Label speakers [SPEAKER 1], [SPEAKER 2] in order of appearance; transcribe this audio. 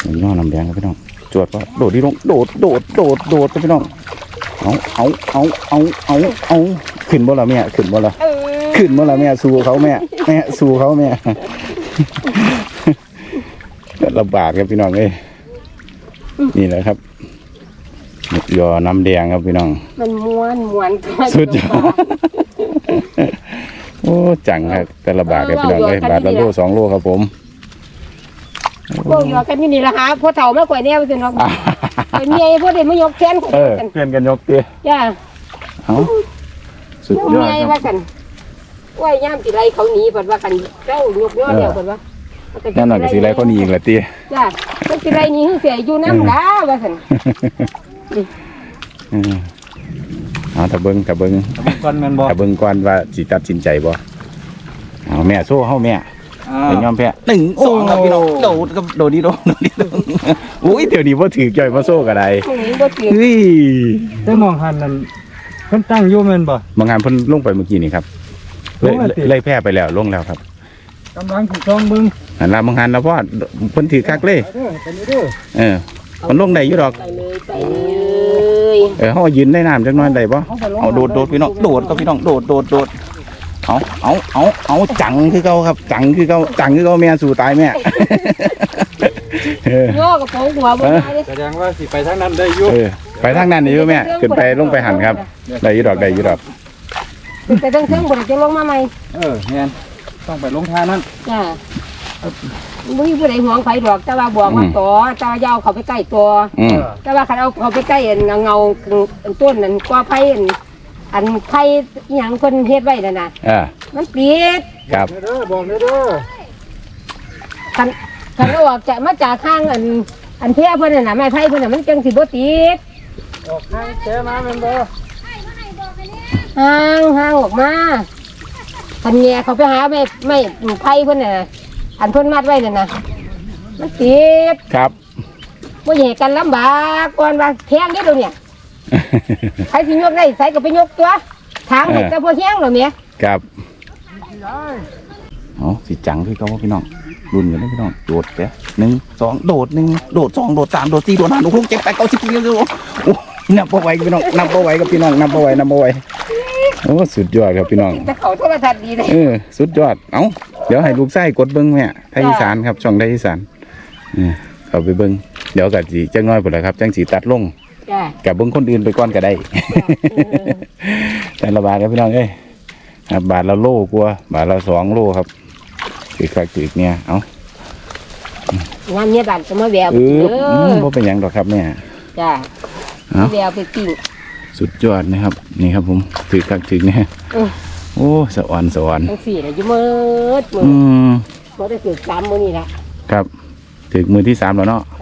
[SPEAKER 1] พี่น้องน้ำแดงครับพี่น้องจวดว่าโดดที่ลงโดดครับพี่น้องเอาขึ้นบ่ละแม่ขึ้นบ่ละแม่สู้เขาแม่สู้เขาแม่ลำบากครับพี่น้องเอ้ยนี่แหละครับยอน้ำแดงครับพี่น้อง
[SPEAKER 2] มันม้วน
[SPEAKER 1] สุดยอดโอ้จังครับแต่ละบาทครับพี่น้องเอ้ยบาทละโล2 โลครับผม
[SPEAKER 2] พวกยอกันนี่ละครับพวกเต่าไม่กว่านี้ไปสิน้องเป็นเมียพวกเด็กไม่ยกแขน
[SPEAKER 1] เพื่อนกันยกเตี้ย
[SPEAKER 2] จ้า
[SPEAKER 1] เอาสุดยอด
[SPEAKER 2] ครับว่ากันว่าย่ามสีไรเขาหนีเปิดว่ากันเจ้ายกยอดเดียวเปิดว่า
[SPEAKER 1] นั่นหน่อยก็สีไรเขาหนีอีกแหละเตี้ย
[SPEAKER 2] จ้าเป็นสีไรนี่เสียอยู่น้ำด่าว่ากัน
[SPEAKER 1] เอาถ้าเบิ้ง
[SPEAKER 3] ก่อนแม่นบ่
[SPEAKER 1] ถ้าเบิ้งก่อนว่าสิตัดสินใจบ่เอาแม่โซ่เฮาแม่เป็นยอมแพ้1 2ครับพี่น้องโดดกับโดดนี่โดดอุ้ยเดี๋ยวนี้บ่ถือจ่อยบ่โซ่ก็ได้เฮ้ย
[SPEAKER 3] ได้มองหันนั่นเพิ่นตั้งอยู่แม่นบ่
[SPEAKER 1] บางงานเพิ่นลงไปเมื่อกี้นี่ครับเลยแพ้ไปแล้วลงแล้วครับ
[SPEAKER 3] กำลังถูกต้องเบิ่ง
[SPEAKER 1] หันลาบางงานแล้วพ่อเพิ่นถือคักเลยมันลงได้อยู่ดอกเฮายืนได้น้ำจักหน่อยได้บ่เอาโดดพี่น้องโดดก็พี่น้องโดดเอาจังคือเก่าครับจังคือเก่าแม่สู่ตายแม่
[SPEAKER 2] โยกกับผมหัวบ่ได้
[SPEAKER 3] แสดงว่าสิไปทางนั้นได้อยู่
[SPEAKER 1] ไปทางนั้นได้อยู่แม่ขึ้นไปลงไปหันครับได้อยู่ดอก
[SPEAKER 2] ไปตั้งเครื่องบ่ได้จะลงมาใหม่
[SPEAKER 3] แม่นต้องไปลงทางนั้น
[SPEAKER 2] จ้าบ่มีผู้ใดห่วงไผดอกแต่ว่าบอกว่าต่อแต่ว่ายาวเขาไปใกล้ตัวแต่ว่าคันเอาเขาไปใกล้เงาต้นนั่นกว่าไผอันไผ่หยังคนเฮ็ดไว้นั่นน่ะมันปิด
[SPEAKER 1] ครับ
[SPEAKER 3] บอกเด้อ
[SPEAKER 2] คันออกจะมาจากข้างอันเพี้ยเพิ่นน่ะนะไม้ไผ่เพิ่นน่ะมันจังสิบ่ติด
[SPEAKER 3] ออกทางแก้มาแม่นบ่
[SPEAKER 2] ห่างออกมาคันแง่เขาไปหาไม้ไผ่เพิ่นน่ะอันเพิ่นมัดไว้นั่นน่ะมันติด
[SPEAKER 1] ครับ
[SPEAKER 2] บ่ให้กันลำบากก่อนว่าแพงเด้อเดี๋ยวนี้ใครสิยกได้ใส่ก็ไปยกตัวทางเด็กแต่พอเที่ยงหรอเมีย
[SPEAKER 1] ครับอ๋อสิจังพี่เขาว่าพี่น้องรุ่นกันนะพี่น้องโดดเด้1 2โดด1โดด2โดด3โดด4โดด5โดด6 7 8 9 10โอ้นับบ่ไหวพี่น้องนับบ่ไหวกับพี่น้องนับบ่ไหวโอ้สุดยอดครับพี่น้อง
[SPEAKER 2] แต่เขาโทรทัศน์ดีเลย
[SPEAKER 1] สุดยอดเอ้าเดี๋ยวให้ลูกไส้กดเบิ้งแม่ไทยอีสานครับช่องไทยอีสานเข้าไปเบิ้งเดี๋ยวกับสีจังน้อยพุ่นแหละครับจังสีตัดลงกับเบิ้งคนอื่นไปก่อนก็ได้แต่ละบาทครับพี่น้องบาทละโลกว่าบาทละ2 โลครับถือคักถือเนี่ยเอ้
[SPEAKER 2] างานเนี้ยบาทจะมาแวว
[SPEAKER 1] บ่เป็นหยังดอกครับแม่
[SPEAKER 2] จ้าแววไปปิ้ง
[SPEAKER 1] สุดยอดนะครับนี่ครับผมถือคักถือเนี่ยโอ้สวรรค์
[SPEAKER 2] ทั้ง4เลยอยู่มืดบ่ได้ถือ3มื้อนี่ละ
[SPEAKER 1] ครับถือมือที่3แล้วเนาะ